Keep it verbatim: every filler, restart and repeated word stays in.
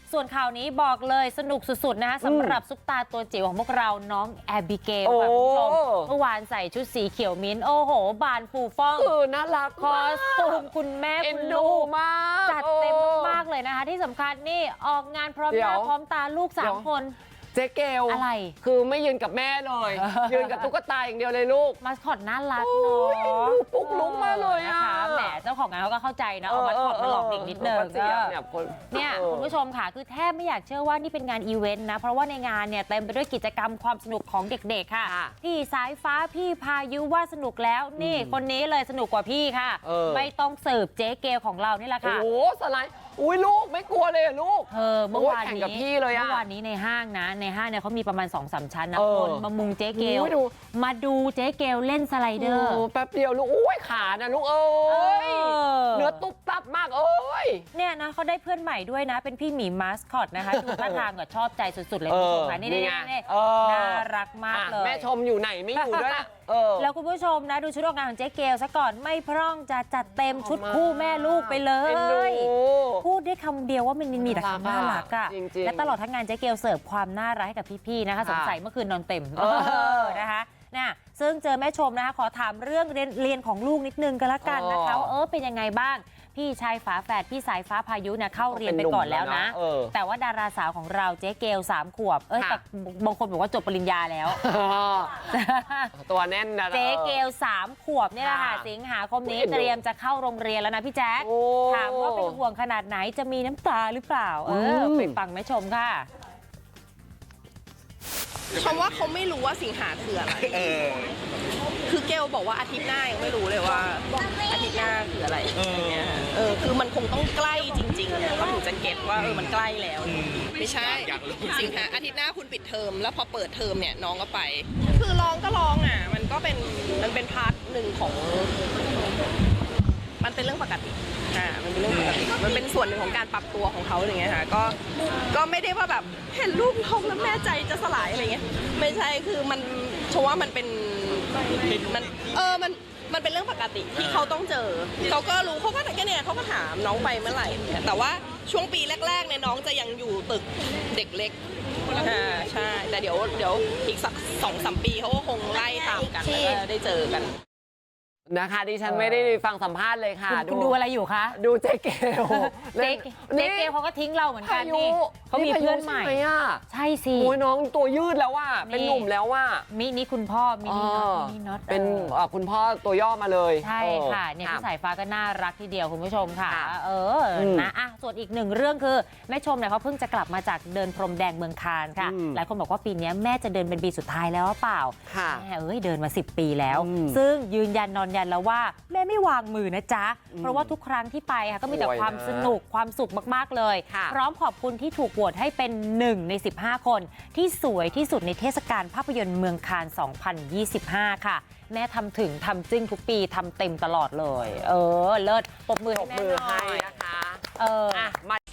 ส่วนข่าวนี้บอกเลยสนุกสุดๆนะคะสำหรับซุปตาตัวจิ๋วของพวกเราน้องแอบิเกลค่ะคุณผู้ชมเมื่อวานใส่ชุดสีเขียวมิ้นโอ้โหบานฟูฟ่องเออน่ารักคอสตูมคุณแม่คุณลูกมากจัดเต็มมากเลยนะคะที่สำคัญนี่ออกงานพร้อมหน้าพร้อมตาลูกสามคนเจ๊เกลอะไรคือไม่ยืนกับแม่เลย ยืนกับตุ๊กตาอย่างเดียวเลยลูกมาสคอตน่ารักเนาะปุ๊กลุกมาเลยอ่ะแหมเจ้าของงานเขาก็เข้าใจนะเอามาสคอตมาหลอกเด็กนิดนึงเนี่ยคุณผู้ชมค่ะคือแทบไม่อยากเชื่อว่านี่เป็นงานอีเวนต์นะเพราะว่าในงานเนี่ยเต็มไปด้วยกิจกรรมความสนุกของเด็กๆค่ะพี่สายฟ้าพี่พายุว่าสนุกแล้วนี่คนนี้เลยสนุกกว่าพี่ค่ะไม่ต้องสืบเจ๊เกลของเรานี่แหละค่ะโอ้สไลด์อุ้ยลูกไม่กลัวเลยลูกเออเมื่อวานนี้กับพี่เลยอะเมื่อวานนี้ในห้างนะในห้างเนี่ยเขามีประมาณ สองสาม ชั้นนะคนมามุงเจ๊เกลมาดูเจ๊เกลเล่นสไลเดอร์แป๊บเดียวลูกอุ้ยขานะลูกเอ้ยเนื้อตุ๊บตับมากเอ้ยเนี่ยนะเขาได้เพื่อนใหม่ด้วยนะเป็นพี่หมีมาสคอตนะคะดูท่าทางก็ชอบใจสุดๆเลยคุณผู้ชมค่ะนี่นี่นี่น่ารักมากเลยแม่ชมอยู่ไหนไม่อยู่ด้วยแล้วคุณผู้ชมนะดูชุดออกงานของเจ๊เกลซะก่อนไม่พร่องจะจัดเต็มชุดคู่แม่ลูกไปเลยพูดได้คำเดียวว่ามันมีแต่ความน่ารักอะและตลอดทั้งงานเจ๊เกลเสิร์ฟความน่ารักให้กับพี่ๆนะคะสงสัยเมื่อคืนนอนเต็มนะคะนะซึ่งเจอแม่ชมนะคะขอถามเรื่องเรียนเรียนของลูกนิดนึงก็แล้วกันนะคะเออเป็นยังไงบ้างพี่ชายฝาแฝดพี่สายฟ้าพายุเนี่ยเข้าเรียนไปก่อนแล้วนะแต่ว่าดาราสาวของเราเจ๊เกลสามขวบเอ้ยแต่บางคนบอกว่าจบปริญญาแล้วตัวแน่นนะเจ๊เกลสามขวบนี่แหละค่ะสิงหาคมนี้เตรียมจะเข้าโรงเรียนแล้วนะพี่แจ๊คถามว่าเป็นห่วงขนาดไหนจะมีน้ำตาหรือเปล่าเออไปฟังแม่ชมค่ะคำว่าเขาไม่รู้ว่าสิงหาคืออะไรคือเกลบอกว่าอาทิตย์หน้ายังไม่รู้เลยว่าอาทิตย์หน้าคืออะไรอย่างเงี้ยเออคือมันคงต้องใกล้จริงๆเนี่ยเขาถึงจะเก็ตว่าเออมันใกล้แล้วไม่ใช่สิงหาอาทิตย์หน้าคุณปิดเทอมแล้วพอเปิดเทอมเนี่ยน้องก็ไปคือร้องก็ร้องอ่ะมันก็เป็นมันเป็นพาร์ทหนึ่งของมันเป็นเรื่องปกติอ่ามันเป็นเรื่องปกติมันเป็นส่วนหนึ่งของการปรับตัวของเขาอย่างเงี้ยค่ะก็ก็ไม่ได้ว่าแบบเห็นลูกท้องแล้วแม่ใจจะสลายอะไรเงี้ยไม่ใช่คือมันเพราะว่ามันเป็นมันเออมันมันเป็นเรื่องปกติที่เขาต้องเจอเขาก็รู้เขาก็แค่เนี่ยเขาก็ถามน้องไปเมื่อไหร่แต่ว่าช่วงปีแรกๆเนี่ยน้องจะยังอยู่ตึกเด็กเล็กอ่าใช่แต่เดี๋ยวเดี๋ยวอีกสักสองสามปีเขาก็คงไล่ตามกันแล้วก็ได้เจอกันนะคะดิฉันไม่ได้ฟังสัมภาษณ์เลยค่ะคุณดูอะไรอยู่คะดูเจ๊เกลเจ๊เกลเขาก็ทิ้งเราเหมือนกันนี่เขามีเพื่อนใหม่ใช่สิโอ้ยน้องตัวยืดแล้วว่าเป็นหนุ่มแล้วว่ามินี่คุณพ่อมินี่น็อตมินี่น็อตเป็นคุณพ่อตัวย่อมาเลยใช่ค่ะเนี่ยพี่สายฟ้าก็น่ารักทีเดียวคุณผู้ชมค่ะเออนะอ่ะส่วนอีกหนึ่งเรื่องคือแม่ชมเนี่ยเขาเพิ่งจะกลับมาจากเดินพรมแดงเมืองคานค่ะหลายคนบอกว่าปีนี้แม่จะเดินเป็นปีสุดท้ายแล้วเปล่าแม่เอ้ยเดินมาสิบปีแล้วซึ่งยืนยันนอนยันแล้วว่าแม่ไม่วางมือนะจ๊ะเพราะว่าทุกครั้งที่ไปค่ะก็มีแต่ความสนุกความสุขมากๆเลยพร้อมขอบคุณที่ถูกโหวตให้เป็นหนึ่งในสิบห้าคนที่สวยที่สุดในเทศกาลภาพยนตร์เมืองคานสองพันยี่สิบห้าค่ะแม่ทำถึงทำจึ้งทุกปีทำเต็มตลอดเลยเออเลิศปรบมือให้แม่หน่อยนะคะเออ